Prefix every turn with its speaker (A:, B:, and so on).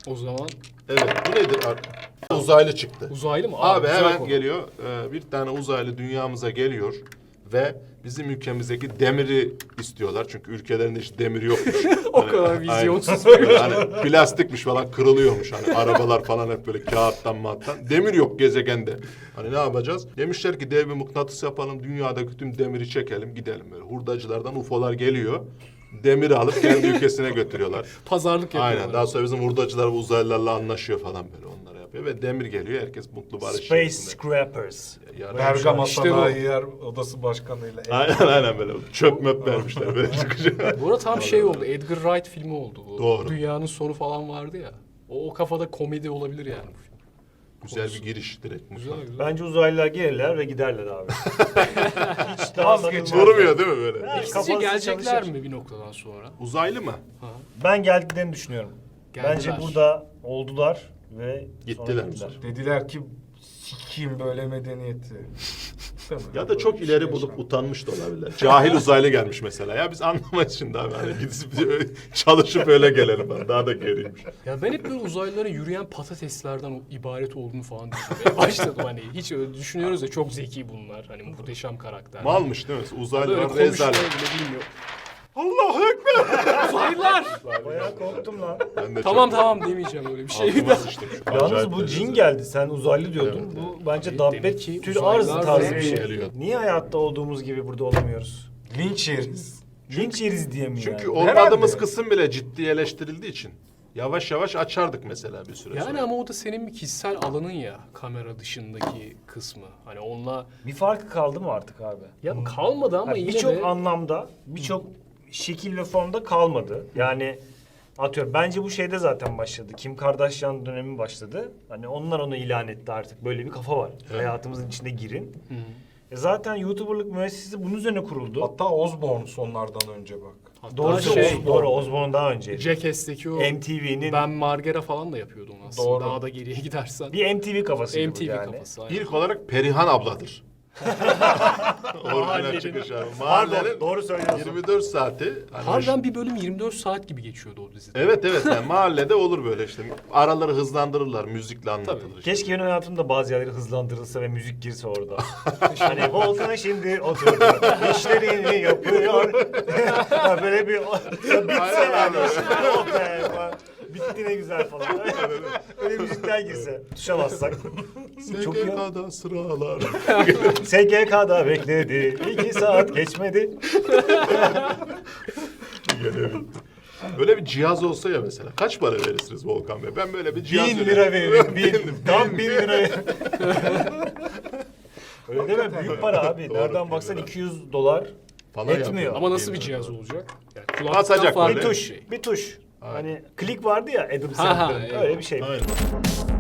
A: O zaman
B: Evet, bu nedir? Uzaylı çıktı.
A: uzaylı mı?
B: Abi
A: güzel
B: hemen
A: konu.
B: geliyor. Bir tane uzaylı dünyamıza geliyor ve bizim ülkemizdeki demiri istiyorlar. Çünkü ülkelerinde hiç demir yokmuş.
A: O kadar vizyonsuz.
B: Hani plastikmiş falan, kırılıyormuş. Hani arabalar falan hep böyle kağıttan mattan. Demir yok gezegende. Hani ne yapacağız? Demişler ki dev bir mıknatıs yapalım. Dünyadaki tüm demiri çekelim gidelim böyle. Hurdacılardan UFO'lar geliyor. Demiri alıp kendi ülkesine götürüyorlar.
A: Pazarlık yapıyorlar.
B: Aynen. Daha sonra bizim hurdacılar bu uzaylılarla anlaşıyor falan böyle, onlara yapıyor ve demir geliyor. Herkes mutlu barış
C: Space
B: içerisinde.
C: Scrappers.
D: Bergama
A: İşte bu.
D: Sanayi Yer Odası Başkanı'yla.
B: Aynen böyle çöp möp vermişler böyle çıkacak.
A: Bu arada tam şey oldu. Edgar Wright filmi oldu bu.
B: Doğru.
A: Dünyanın sonu falan vardı ya. O kafada komedi olabilir yani bu film.
B: Güzel bir giriş direkt.
A: Güzel güzel.
C: Bence uzaylılar gelirler ve giderler abi. Hiç daha
D: Vazgeçer.
B: Durmuyor değil mi böyle?
C: Ha,
A: Sizce
C: kafası
A: gelecekler
C: çalışır.
A: mi bir noktadan sonra?
B: Uzaylı mı?
C: Ben geldiklerini düşünüyorum.
A: Geldiler.
C: Bence burada oldular ve
B: Gittiler.
C: sonra gittiler.
D: Dediler ki sikiyim böyle medeniyeti. Değil mi?
B: Ya da çok
D: Böyle bir
B: ileri
D: şey
B: bulup
D: yaşandı.
B: utanmış da olabilirler. Cahil uzaylı gelmiş mesela. Ya biz anlamayız şimdi abi. Hani gidip çalışıp öyle gelelim. Daha da geriymiş.
A: Ya ben hep böyle uzaylıların yürüyen patateslerden ibaret olduğunu falan düşünmeye başladım. Hani hiç öyle düşünüyoruz ya, çok zeki bunlar. Hani muhteşem karakter.
B: Malmış değil mi?
A: Böyle
B: Uzaylılar
A: konuşmayı
B: rezalet.
A: bile bilmiyor.
B: Allahu Ekber.
A: Uzaylılar!
C: Bayağı korktum lan.
B: Ben de
A: Tamam
B: çok
A: tamam demeyeceğim öyle bir şey.
B: altıma sıçtım şu
C: Yalnız
B: acayip
C: bu
B: derecede.
C: cin geldi. Sen uzaylı diyordun.
B: Evet,
C: Bu bence
A: Abi
C: dabbet
A: demek ki
C: tül
A: uzaylılar
C: arz tarzı bir
A: ve-
C: şey.
B: geliyor.
C: Niye hayatta olduğumuz gibi burada olamıyoruz?
D: Linç yeriz.
C: Linç yeriz diye mi
B: Çünkü
C: yani?
B: olmadığımız
D: Herhalde.
B: kısım bile ciddi eleştirildiği için. Yavaş yavaş açardık mesela bir süre
A: Yani
B: sonra.
A: ama o da senin bir kişisel alanın ya, kamera dışındaki kısmı. Hani onunla
C: Bir farkı kaldı mı artık abi?
A: ya kalmadı ama
C: Ha,
A: yine
C: birçok
A: de
C: anlamda, birçok şekil ve formda kalmadı. Yani atıyorum bence bu şeyde zaten başladı. Kim Kardashian dönemi başladı. Hani onlar onu ilan etti artık. Böyle bir kafa var. Hayatımızın içine girin. Zaten YouTuber'lık müessesesi bunun üzerine kuruldu.
D: Hatta Osborne sonlardan önce bak.
A: hatta
C: Doğru
A: şey,
C: doğru Osborne daha önceydi.
A: Jackass'teki o
C: MTV'nin
A: Ben Margera falan da yapıyordu onu aslında.
D: Doğru.
A: Daha da geriye gidersen.
C: bir MTV kafasıydı
A: MTV
C: bu yani.
A: kafası. aynen.
B: İlk olarak Perihan abladır. Orijinal çıkış abi. Mahallenin
C: doğru söylüyorsun.
B: 24 saati. Hani
A: Harbiden bir bölüm 24 saat gibi geçiyordu o dizide.
B: Evet yani mahallede olur böyle işte. Araları hızlandırırlar, müzikle anlatılır. işte.
C: Keşke benim hayatımda bazı yerleri hızlandırılsa ve müzik girse orada. Hani Volkan şimdi oturdu, işlerini yapıyor. Böyle bir bitse
B: Aynen
C: yani.
B: abi.
C: Oh be falan. Bitti ne güzel falan. Öyle müzikler girse. Tuşa bassak. Çok iyi.
B: SGK'da sıralar.
C: SGK'da bekledi. 2 saat geçmedi.
B: Böyle bir cihaz olsa ya mesela. Kaç para verirsiniz Volkan Bey? Ben böyle bir cihaz
C: 1000 lira veririm. 1000. Tam 1000 lira. Öyle değil mi? Büyük para abi.
B: Doğru,
C: Nereden
B: 1000
C: baksan
B: lira.
C: $200
B: Falan
C: etmiyor.
B: yapıyor.
A: Ama nasıl bir
B: Bilmiyorum.
A: cihaz olacak? Yani kulaklıktan
B: Basacak
A: farklı
B: böyle.
C: Bir
A: bir
C: tuş.
A: şey.
C: Bir tuş.
B: Aynen.
C: Hani klik vardı ya Adam
A: Ha, ha,
C: Sandler'ın.
A: eyvallah.
C: Öyle bir şey.
B: Aynen.